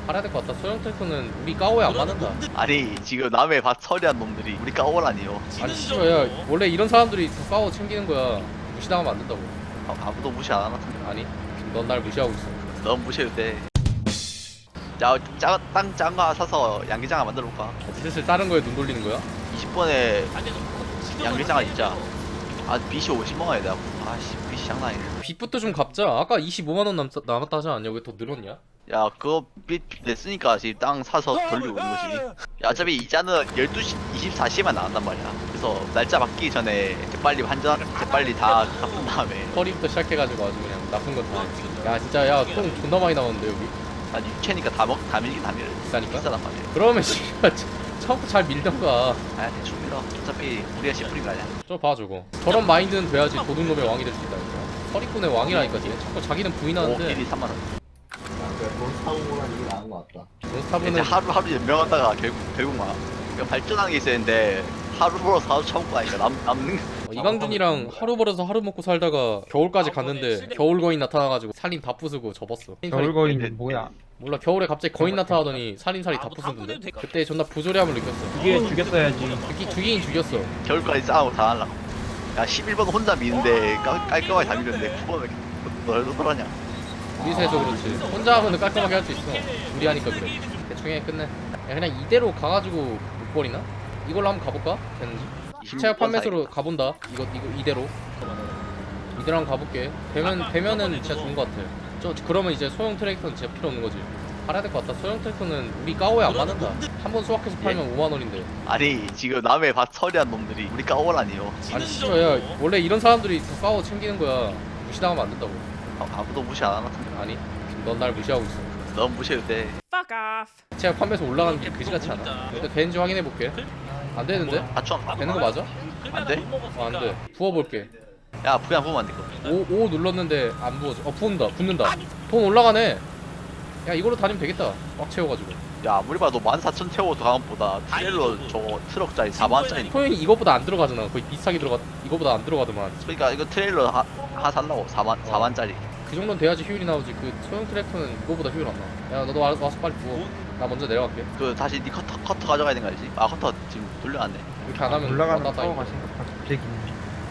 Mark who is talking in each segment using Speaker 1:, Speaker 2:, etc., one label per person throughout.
Speaker 1: 팔아야 될 것 같다. 소형 트랙터는 우리 까오에 안 맞는다.
Speaker 2: 아니 지금 남의 밭 처리한 놈들이 우리 까오라니요.
Speaker 1: 아니 씨발 야 원래 이런 사람들이 더 까오 챙기는 거야. 무시당하면 안 된다고.
Speaker 2: 아무도 무시 안 하나?
Speaker 1: 아니 넌 날 무시하고 있어.
Speaker 2: 넌 무시해도 돼. 야, 땅 짠 거 사서 양계장을 만들어 볼까?
Speaker 1: 슬슬 다른 거에 눈 돌리는 거야?
Speaker 2: 20번에 양계장을 진짜. 아, 빚이 50만 원이야. 내가. 아씨, 빚이 장난 아니네.
Speaker 1: 빚부터 좀 갚자. 아까 25만 원 남았다 하지 않냐? 왜 더 늘었냐?
Speaker 2: 야, 그거 빚 냈으니까 지금 땅 사서 돌리고 있는 거지. 야, 어차피 이자는 12시, 24시에만 나간단 말이야. 그래서 날짜 바뀌기 전에 재빨리 재빨리 다 갚은 다음에.
Speaker 1: 허리부터 시작해가지고 아주 그냥 나쁜 건 다. 야 진짜 야 똥 존나 많이 나오는데 여기
Speaker 2: 난 육체니까 다 밀긴 다 밀어.
Speaker 1: 비싸니까?
Speaker 2: 비싸단 말이야.
Speaker 1: 그러면 씨발 처음부터 잘 밀던가.
Speaker 2: 아, 대충 밀어. 어차피 우리가 씨뿌린 거 아니야.
Speaker 1: 저 봐 저거. 저런 마인드는 돼야지 도둑놈의 왕이 될 수 있다. 서리꾼의 왕이라니까 지금. 자꾸 자기는
Speaker 2: 오,
Speaker 1: 부인하는데
Speaker 2: 1위 3만 원.
Speaker 3: 돈 사고 보면 이게 나은 것 같다.
Speaker 2: 이제
Speaker 1: 몬스타브는
Speaker 2: 하루 연명하다가 결국 막 그러니까 발전하는 게 있었는데 하루 벌어서 하루 처먹고 하니까 남는
Speaker 1: 이강준이랑 하루 벌어서 하루 먹고 살다가 겨울까지 갔는데 겨울 거인 나타나가지고 살림 다 부수고 접었어.
Speaker 4: 겨울거인은 뭐야?
Speaker 1: 몰라 겨울에 갑자기 거인 나타나더니 살림살이 다 부수던데. 그때 존나 부조리함을 느꼈어.
Speaker 4: 그게 죽였어야지.
Speaker 1: 죽이긴 죽였어.
Speaker 2: 겨울까지 싸우고 다 하려고. 야 11번 혼자 미는데 깔끔하게 다 미는데 9번은 널널하냐.
Speaker 1: 우리세서 그렇지. 혼자 하면 깔끔하게 할 수 있어. 둘이 하니까 그래. 대충 해 끝내. 야 그냥 이대로 가가지고 못 버리나? 이걸로 한번 가볼까? 되는지? 시체약 판매소로 가본다. 이거 이대로. 이대로 한번 가볼게. 되면은 진짜 좋은 것 같아. 그러면 이제 소형 트랙터는 진짜 필요 없는 거지. 팔아야 될 것 같다. 소형 트랙터는 우리 까오에 안 맞는다. 한 번 수확해서 팔면 5만 원인데.
Speaker 2: 아니 지금 남의 밭 처리한 놈들이 우리 까오라니요.
Speaker 1: 아니 씨발 야 원래 이런 사람들이 더 까오 챙기는 거야. 무시당하면 안 된다고.
Speaker 2: 아무도 무시 안 하나?
Speaker 1: 아니 넌 날 무시하고 있어.
Speaker 2: 넌 무시해도 돼.
Speaker 1: 시체약 판매소 올라가는 게 그지같지 않아. 일단 되는지 확인해 볼게. 안 되는데?
Speaker 2: 맞춰.
Speaker 1: 되는 거 맞아?
Speaker 2: 안 돼?
Speaker 1: 안 돼. 부어볼게.
Speaker 2: 야 그냥 보면 안 돼. 그거.
Speaker 1: 오 눌렀는데 안 부어져. 붙는다. 돈 올라가네. 야 이걸로 다니면 되겠다. 꽉 채워가지고.
Speaker 2: 야 아무리 봐도 14,000 태워도 가감보다 트레일러 저거 트럭짜리 4만원짜리.
Speaker 1: 소형이 이거보다 안 들어가잖아. 거의 비슷하게 들어가. 이거보다 안 들어가더만.
Speaker 2: 그러니까 이거 트레일러 하나 살라고 4만짜리.
Speaker 1: 그 정도는 돼야지 효율이 나오지. 그 소형 트랙터는 이거보다 효율 안 나. 야 너도 와서 빨리 부어. 나 먼저 내려갈게.
Speaker 2: 그 다시 니 커터 가져가야 되는 거 알지? 아 커터 지금 돌려놨네.
Speaker 1: 이렇게 안 하면
Speaker 4: 올라가는
Speaker 1: 왔다 갔다
Speaker 4: 파워가
Speaker 1: 하니까.
Speaker 4: 생각보다 되긴.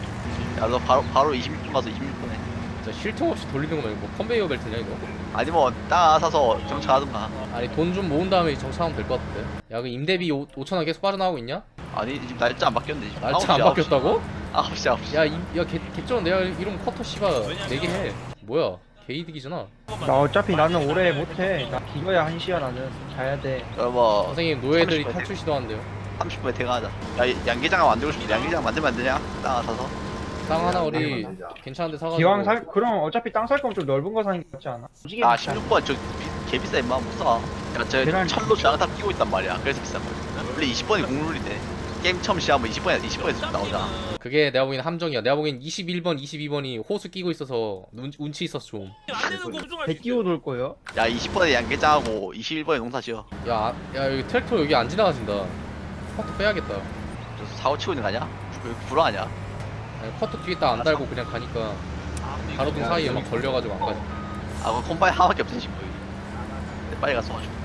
Speaker 2: 야 너 바로 26분 가서 26분에.
Speaker 1: 진짜 쉴 틈 없이 돌리는 거면 뭐 컨베이어 벨트냐 이거?
Speaker 2: 아니 뭐 땅 하나 사서 정착하든가.
Speaker 1: 아니 돈 좀 모은 다음에 정차하면 될 것 같은데. 야 그 임대비 5천원 계속 빠져나오고 있냐?
Speaker 2: 아니 지금 날짜 안 바뀌었는데 지금.
Speaker 1: 날짜 안 바뀌었다고?
Speaker 2: 9시.
Speaker 1: 야 개쩌는 내가 이러면 커터 씨가 내게 해. 뭐야 개이득이잖아.
Speaker 4: 나 어차피 나는 오래 못해. 나 기어야 1시야 나는. 자야 돼.
Speaker 2: 뭐
Speaker 1: 선생님 노예들이
Speaker 2: 30분
Speaker 1: 탈출 시도한대요.
Speaker 2: 30분에 퇴근하자. 야 양계장 만들고 싶은데 양계장 만들면 안 되냐? 땅 하나 사서.
Speaker 1: 땅 하나
Speaker 3: 빨리
Speaker 1: 우리
Speaker 3: 만들자.
Speaker 1: 괜찮은데 사가지고.
Speaker 4: 기왕 그럼 어차피 땅 살 거면 좀 넓은 거 사는 게 낫지 않아? 솔직히
Speaker 2: 아 16번 저 개비싸 임마 못 사. 야저
Speaker 4: 계란
Speaker 2: 철로 장탑 끼고 있단 말이야. 그래서 비싼 거야. 원래 20번이 국룰인데 게임 처음 시작하면 20번에서 나오잖아.
Speaker 1: 그게 내가 보기엔 함정이야. 내가 보기엔 21번, 22번이 호수 끼고 있어서 운치 있어서 좀.
Speaker 4: 배 끼고 돌 거예요?
Speaker 2: 야 20번에 양계장하고 21번에 농사 지어.
Speaker 1: 야 여기 트랙터 여기 안 지나가진다. 커터 빼야겠다.
Speaker 2: 저 사고 치고 있는 거 아니야? 불안하냐?
Speaker 1: 아니, 커터 뒤에 딱 안 달고 그냥 가니까 가로등 사이에 막 걸려가지고 안 가지.
Speaker 2: 아 그럼 콤바인 하나밖에 없지 지금 여기. 근데 빨리 가서 와줘.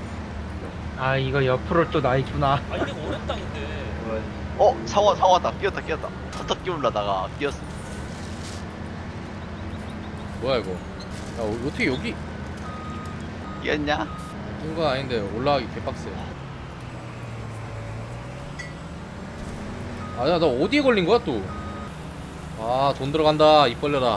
Speaker 4: 아 이거 옆으로 또 나 있구나.
Speaker 2: 사고 왔다. 끼었다. 커터 끼우려다가 끼었어.
Speaker 1: 뭐야 이거? 야 어떻게 여기
Speaker 2: 끼었냐?
Speaker 1: 낀 건 아닌데 올라가기 개빡세. 아야 나 어디에 걸린 거야 또? 아 돈 들어간다 입 벌려라.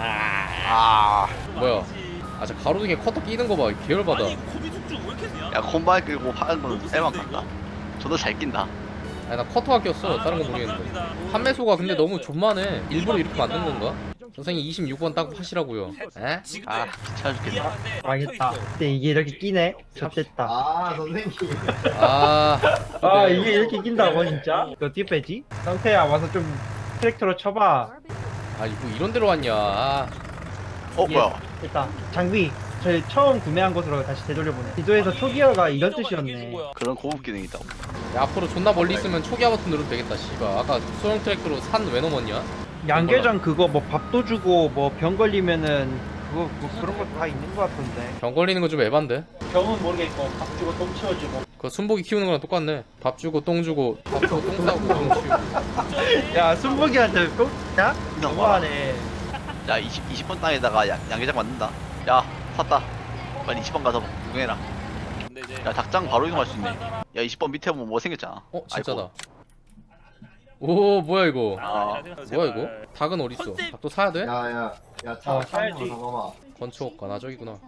Speaker 1: 뭐야? 아 저 가로등에 커터 끼는 거 봐. 계열받아.
Speaker 2: 야 콤바인 끌고 파는 건 쎄만 같다. 저도 잘 낀다.
Speaker 1: 아니 나 커터가 꼈어. 다른 건 모르겠는데. 판매소가 근데 너무 존만해. 일부러 이렇게 만든 건가? 선생님 26번 딱 하시라고요. 에?
Speaker 2: 아 귀찮아 죽겠다.
Speaker 4: 망했다. 근데 이게 이렇게 끼네? 젖됐다.
Speaker 3: 아 선생님.
Speaker 1: 아
Speaker 4: 아 이게 이렇게 낀다고 진짜? 이거 어떻게 빼지? 상태야 와서 좀 트랙터로 쳐봐.
Speaker 1: 아니 뭐 이런 데로 왔냐. 아,
Speaker 2: 뭐야?
Speaker 4: 일단 장비 저희 처음 구매한 곳으로 다시 되돌려보내. 지도에서 초기화가 이런 뜻이었네.
Speaker 2: 그런 고급 기능이 있다고.
Speaker 1: 야, 앞으로 존나 멀리 있으면 초기화 버튼 누르면 되겠다. 씨발 아까 소형 트랙터로 산 왜 넘었냐?
Speaker 4: 양계장 그거 뭐 밥도 주고 뭐 병 걸리면은 그거 뭐 그런 것도 다 있는 거 같던데.
Speaker 1: 병 걸리는 거 좀 에반데.
Speaker 4: 병은 모르겠고 밥 주고 똥 치워주고.
Speaker 1: 그거 순복이 키우는 거랑 똑같네. 밥 주고 똥 주고 밥 주고 똥 싸고 똥 치우고.
Speaker 4: 야 순복이한테 똥? 야? 너무하네.
Speaker 2: 야 20번 땅에다가 양계장 만든다. 야 샀다. 빨리 20번 가서 구경해라.
Speaker 5: 근데 이제
Speaker 2: 야 닭장 바로 이동할 수 있네. 야 20번 밑에 보면 뭐 생겼잖아.
Speaker 1: 어 진짜다.
Speaker 2: 아이고.
Speaker 1: 오 뭐야 이거.
Speaker 2: 아,
Speaker 1: 뭐야 이거? 닭은 어디 있어? 닭도 사야 돼?
Speaker 3: 야차
Speaker 4: 사야지.
Speaker 3: 잠깐만.
Speaker 1: 건축 아 저기구나.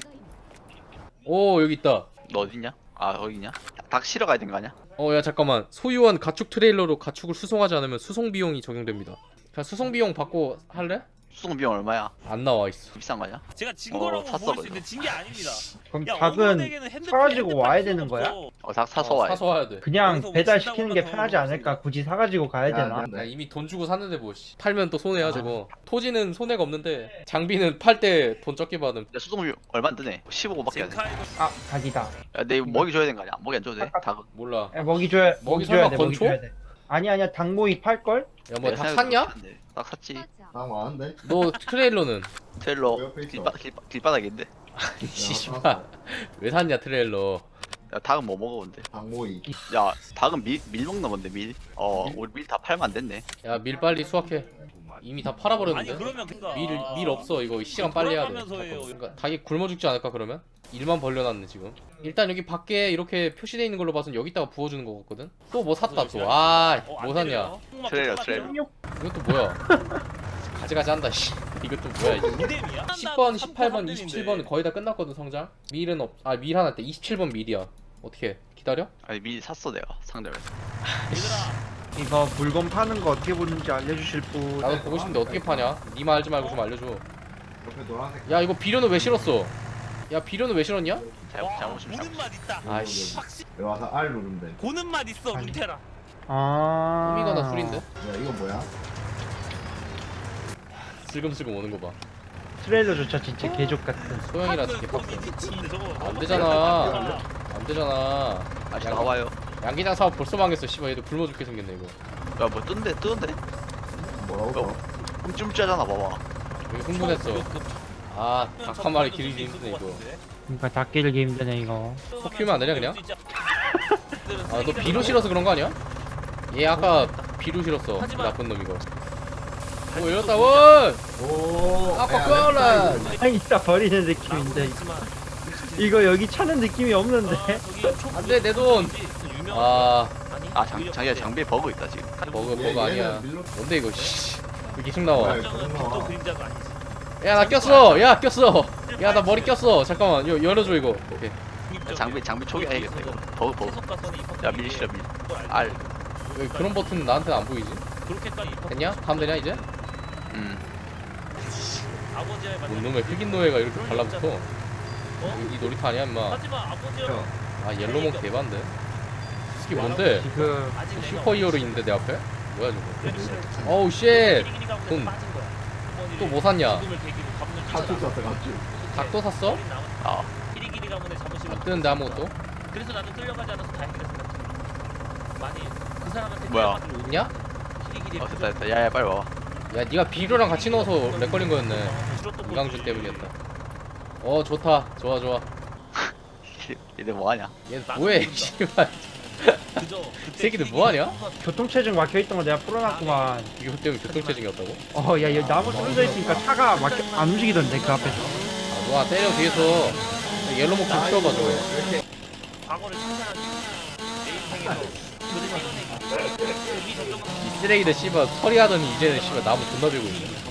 Speaker 1: 오 여기 있다.
Speaker 2: 너 어딨냐? 아 거기 있냐? 닭 실어 가야 되는 거 아니야?
Speaker 1: 야 잠깐만. 소유한 가축 트레일러로 가축을 수송하지 않으면 수송 비용이 적용됩니다. 그냥 수송 비용 받고 할래?
Speaker 2: 수송 비용 얼마야?
Speaker 1: 안 나와 있어.
Speaker 2: 비싼 거 아니야?
Speaker 5: 제가 진 거라고
Speaker 2: 샀어,
Speaker 5: 보일 수
Speaker 2: 그래도.
Speaker 5: 있는데 진 게 아닙니다.
Speaker 4: 그럼
Speaker 5: 야,
Speaker 4: 닭은
Speaker 5: 어머니에게는 핸드폰-
Speaker 4: 사가지고
Speaker 5: 핸드폰
Speaker 4: 와야
Speaker 5: 필요가
Speaker 4: 되는 거야?
Speaker 5: 없어.
Speaker 2: 닭 사서 와야 돼.
Speaker 1: 사서 와야 돼.
Speaker 4: 그냥
Speaker 5: 여기서
Speaker 4: 배달
Speaker 5: 뭐
Speaker 4: 시키는 게
Speaker 5: 신다고
Speaker 4: 편하지
Speaker 5: 하면
Speaker 4: 않을까? 굳이 사가지고 가야 되나?
Speaker 1: 야, 이미 돈 주고 샀는데 뭐 씨. 팔면 또 손해야 저거. 토지는 손해가 없는데 장비는 팔 때 돈 적게 받음.
Speaker 2: 야 수송 비용 얼마 안 드네. 15밖에 안 돼.
Speaker 5: 젠카이도
Speaker 4: 아 닭이다.
Speaker 2: 야내 먹이 줘야 되는 거 아니야? 먹이 안 줘도 돼? 닭은.
Speaker 1: 몰라.
Speaker 4: 야, 먹이 줘야
Speaker 1: 먹이
Speaker 4: 줘야
Speaker 1: 설마
Speaker 4: 돼. 먹이
Speaker 1: 건초?
Speaker 4: 줘야 돼. 아니야 닭모이 팔 걸?
Speaker 1: 야 뭐
Speaker 2: 내
Speaker 1: 닭
Speaker 2: 생각에도
Speaker 1: 샀냐?
Speaker 2: 그렇게 안 돼. 닭 샀지.
Speaker 3: 나 많은데.
Speaker 1: 너 트레일러는?
Speaker 2: 트레일러
Speaker 3: 옆에 있어.
Speaker 2: 길바닥인데.
Speaker 1: 씨발 왜 샀냐 트레일러.
Speaker 2: 야 닭은 뭐 먹어 근데?
Speaker 3: 박모이.
Speaker 2: 야 닭은 밀 먹는 건데 밀. 우리 밀 다 팔면 안 됐네.
Speaker 1: 야 밀 빨리 수확해. 이미 다
Speaker 5: 아니
Speaker 1: 팔아버렸는데.
Speaker 5: 그러면 그니까
Speaker 1: 밀 없어 이거 시간 빨리 해야 돼.
Speaker 5: 돌아가면서 해요.
Speaker 1: 그러니까 닭이 굶어 죽지 않을까 그러면? 일만 벌려놨네 지금. 일단 여기 밖에 이렇게 표시돼 있는 걸로 봐선 여기다가 부어주는 거 같거든. 또 뭐 샀다 또. 뭐 샀냐?
Speaker 2: 트레일러.
Speaker 1: 이것도 뭐야? 가지가지 한다 씨. 이것도 뭐야 이거? 10번, 18번, 27번 거의 다 끝났거든 성장. 밀은 없. 밀 하나 때 27번 밀이야. 어떻게 기다려?
Speaker 2: 아니 밀 샀어 내가 상점에서.
Speaker 4: 이거 물건 파는 거 어떻게 보는지 알려주실 분?
Speaker 1: 나도 보고 싶은데 어떻게 파냐? 니만 알지 말고 좀 알려줘.
Speaker 3: 옆에 노란색.
Speaker 1: 야 이거 비료는 왜 실었어? 야 비료는 왜 실었냐?
Speaker 2: 잘못이면
Speaker 5: 보는 맛 있다.
Speaker 1: 아이씨.
Speaker 5: 확실히
Speaker 3: 여기 와서 R 누르면 돼.
Speaker 5: 보는 맛 있어 문테라.
Speaker 4: 아.
Speaker 1: 꿈이거나 술인데?
Speaker 3: 야 이거 뭐야?
Speaker 1: 슬금슬금 오는 거 봐.
Speaker 4: 트레일러조차 진짜 개족 같은.
Speaker 1: 소영이라 진짜 빡세.
Speaker 5: 저거
Speaker 1: 안 되잖아. 안 되잖아.
Speaker 2: 아직 나와요.
Speaker 1: 양기장 사업 벌써 망했어. 씨발 얘도 굶어 죽게 생겼네 이거.
Speaker 2: 야뭐 뜨는데?
Speaker 3: 뭐라고?
Speaker 2: 쫌쫌짜잖아 봐봐.
Speaker 1: 여기 흥분했어. 닭 한 마리 기르기 힘드네 이거.
Speaker 4: 그러니까 닭 기르기 힘드네 이거.
Speaker 1: 코 키우면 안 되냐 그냥? 너 비료 실어서 그런 거 아니야? 얘 아까 비료 실었어. 그 나쁜 놈 이거. 오 열렸다 원.
Speaker 3: 오.
Speaker 1: 아까
Speaker 4: 그냥 이따 버리는 느낌인데 이거 여기 차는 느낌이 없는데.
Speaker 1: 안돼 내 돈.
Speaker 2: 자기야 장비에 버그 있다 지금.
Speaker 1: 버그 아니야. 뭔데 이거 씨. 왜 계속 나와?
Speaker 5: 또 그림자가 아니지.
Speaker 1: 야 나 꼈어. 야 꼈어. 야 나 머리 꼈어. 잠깐만 열어줘 이거. 오케이.
Speaker 2: 장비 초기화해야겠다 이거. 버그. 야 밀 실어 밀. 알.
Speaker 1: 왜 그런 버튼 나한테는 안 보이지?
Speaker 5: 그렇게까지
Speaker 1: 됐냐? 다음 되냐 이제?
Speaker 5: 아버지의
Speaker 1: 뭔 놈의 흑인 노예가 이렇게 발라붙어? 이 놀이터 아니야 임마.
Speaker 5: 하지만 아버지의
Speaker 1: 옐로몬 개반데? 스키 뭔데?
Speaker 4: 지금
Speaker 1: 슈퍼히어로 있는데 내 앞에? 뭐야 저거? 어우 쉣! 돈. 또 뭐 샀냐?
Speaker 3: 가축 샀어 가축.
Speaker 1: 닭도 샀어?
Speaker 5: 키리기리 가문의 자부심을
Speaker 1: 안 뜨는데 아무것도?
Speaker 5: 그래서 나는 끌려가지 않아서 다행이라 생각해. 많이 그 사람한테
Speaker 2: 뭐야?
Speaker 1: 있냐?
Speaker 5: 키리기리
Speaker 2: 됐다. 야야 빨리 와봐.
Speaker 1: 야 니가 비료랑 같이 넣어서 렉 걸린 거였네. 이강준 때문이었다. 좋다. 좋아.
Speaker 2: 얘들 뭐하냐?
Speaker 1: 얘 뭐해 씨발. 이 새끼들 뭐하냐?
Speaker 4: 교통체증 막혀있던 거 내가 풀어놨구만.
Speaker 1: 이거 때문에 교통체증이었다고?
Speaker 4: 야 여기 나무 떨어져 있으니까 차가 안 움직이던데 그 앞에서.
Speaker 1: 너가 때려 뒤에서 옐로몬 좀 치워봐 줘.
Speaker 5: 과거를 상상하기 내 인생에서
Speaker 1: 이 쓰레기들 씨발 처리하더니 이제는 씨발 나무 존나 들고 있네.